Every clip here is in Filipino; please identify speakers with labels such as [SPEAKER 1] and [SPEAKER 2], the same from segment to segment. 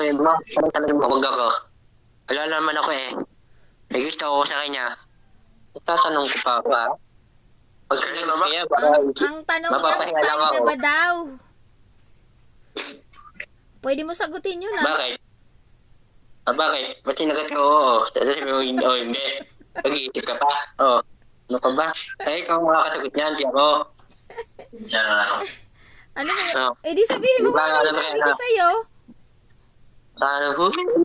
[SPEAKER 1] mo. Parang talaga mawag ako. Wala naman ako eh. May gusto ako sa kanya. Itatanong ko pa ako ha. Pag sinagot kaya, baka
[SPEAKER 2] Ang tanong niya,
[SPEAKER 1] mapapahinga lang
[SPEAKER 2] tayo na
[SPEAKER 1] ako.
[SPEAKER 2] ba daw? Pwede mo sagutin yun ah.
[SPEAKER 1] Bakit? Bakit? Ba't sinagot ko oo? Sabi mo, hindi. Pag-iisip ka pa. Oo. Ano pa ba? Ay, ikaw ang makakasagot niyan, di ako.
[SPEAKER 2] Ano ba yun?
[SPEAKER 1] Oo.
[SPEAKER 2] Eh di sabihin mo
[SPEAKER 1] Di ba,
[SPEAKER 2] ano yung
[SPEAKER 1] alam mo
[SPEAKER 2] sabi
[SPEAKER 1] kaya
[SPEAKER 2] ko
[SPEAKER 1] na?
[SPEAKER 2] sa'yo.
[SPEAKER 1] Ano po?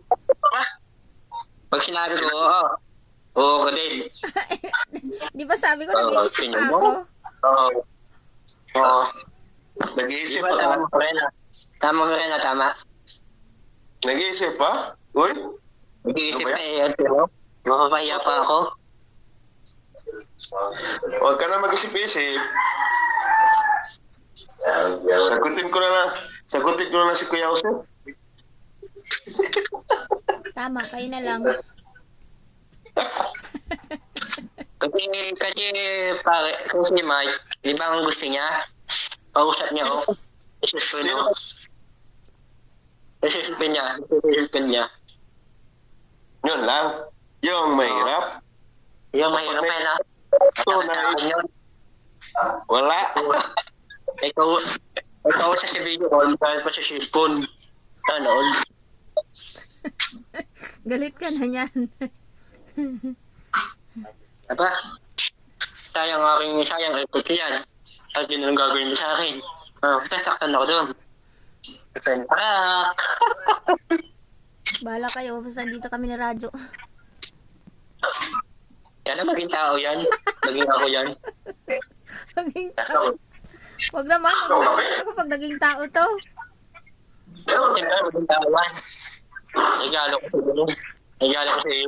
[SPEAKER 1] Pag sinabi ko, oo. Oo ko din.
[SPEAKER 2] Di ba sabi ko
[SPEAKER 1] Oo,
[SPEAKER 2] nag-iisip
[SPEAKER 1] tingnan
[SPEAKER 2] pa
[SPEAKER 1] mo.
[SPEAKER 2] ako?
[SPEAKER 1] Oo. Oo.
[SPEAKER 3] Nag-iisip
[SPEAKER 1] Di ba,
[SPEAKER 3] pa
[SPEAKER 1] tama
[SPEAKER 3] ka?
[SPEAKER 1] ko rin ah. Tama ko rin ah, tama.
[SPEAKER 3] Nag-iisip pa? Uy?
[SPEAKER 1] Nag-iisip
[SPEAKER 3] Ano ba
[SPEAKER 1] na
[SPEAKER 3] yan?
[SPEAKER 1] eh, pero mapapahiya pa ako.
[SPEAKER 3] Huwag ka na mag-isip-isip. Sagutin ko na lang si Kuya Jose.
[SPEAKER 2] Tama, kayo na lang.
[SPEAKER 1] Kasi pare, kasi Mike, di ba ang gusto niya? Pausap niya ako. Isuspend ako. Isuspend niya.
[SPEAKER 3] Yun lang. Yung mahirap.
[SPEAKER 1] Yung mahirap eh na.
[SPEAKER 3] Ito na
[SPEAKER 1] Sa akin yun.
[SPEAKER 3] wala.
[SPEAKER 1] Ikaw sa video call, dahil pa sa cellphone. Sana all.
[SPEAKER 2] Galit ka na niyan.
[SPEAKER 1] Aba, sayang effort ko yan. At yun ang gagawin mo sa akin. Sasaktan ako doon. Parak!
[SPEAKER 2] Bahala kayo, basta dito kami na radyo.
[SPEAKER 1] Yan ang maging tao yan. Maging ako yan.
[SPEAKER 2] Naging tao. Huwag naman, naging ako pag naging tao to.
[SPEAKER 1] Siyempre, maging tao yan. Nagalo ko sa iyo. Nagalo ko sa iyo.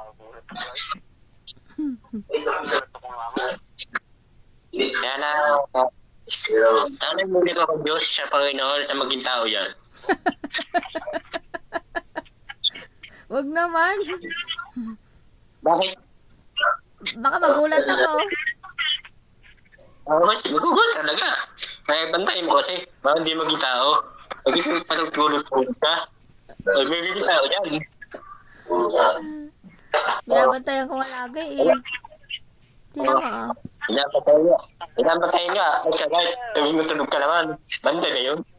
[SPEAKER 1] Kaya na, sana muli ko ang Diyos sa Panginoon sa maging tao yan.
[SPEAKER 2] Huwag naman.
[SPEAKER 1] Bakit?
[SPEAKER 2] Baka magulat ako.
[SPEAKER 1] Magugulat talaga. Kaya bantayin mo kasi, baka hindi maging tao. Pag-isip pa ng tulog-tulog ka, ay may maging tao yan.
[SPEAKER 2] Binabantayan ko nga lagi eh. Tingnan mo ah.
[SPEAKER 1] Pinapatayin nga. Ay sabay, tulog ka naman. Banda na yun.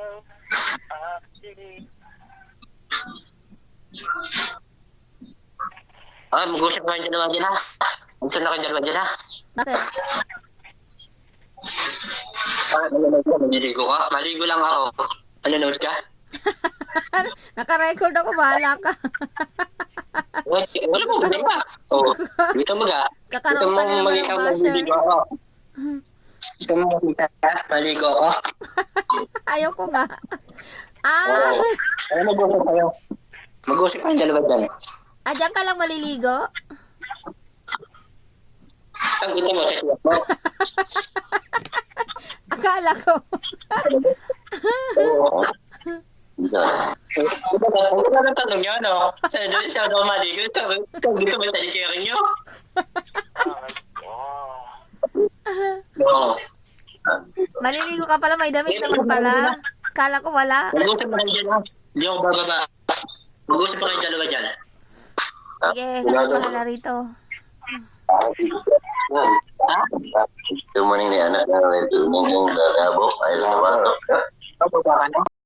[SPEAKER 1] Mag-usap ka dyan naman dyan ha. Mag-usap na kayo dyan dyan ha.
[SPEAKER 2] Bakit?
[SPEAKER 1] Nanonood ka, maliligo ka. Maligo lang ako. Nanonood ka?
[SPEAKER 2] Naka-record ako, bahala ka.
[SPEAKER 1] Wala mo, hindi pa. Oo. Dito mga. Dito
[SPEAKER 2] Kakaroon
[SPEAKER 1] mo
[SPEAKER 2] ka na naman
[SPEAKER 1] mag-ikaw
[SPEAKER 2] ng
[SPEAKER 1] na
[SPEAKER 2] basher.
[SPEAKER 1] maligo ako. Gusto mo makita ka? Maligo ako.
[SPEAKER 2] Ayaw ko nga. Ah!
[SPEAKER 1] Ay, mag-usap kayo. Mag-usap kayong dalawa dyan.
[SPEAKER 2] Ah, dyan ka lang maliligo?
[SPEAKER 1] Ang gusto mo sa siyak mo.
[SPEAKER 2] Akala ko.
[SPEAKER 1] Oo. Ano ba ang tanong niyo, no? Sa daw maligo, ito gusto mo sa chicharin niyo? Oo.
[SPEAKER 2] Maliligo ka pala, may damit naman pala. Akala ko wala.
[SPEAKER 1] Mag-usap na kayo dyan, ha? Hindi ako bababa. Mag-usap pa kayong dalawa dyan.
[SPEAKER 2] Sige, kami bahala rito.
[SPEAKER 3] Good morning ni anak. Yung lalabo ay sa bato.
[SPEAKER 1] Bababa ka na?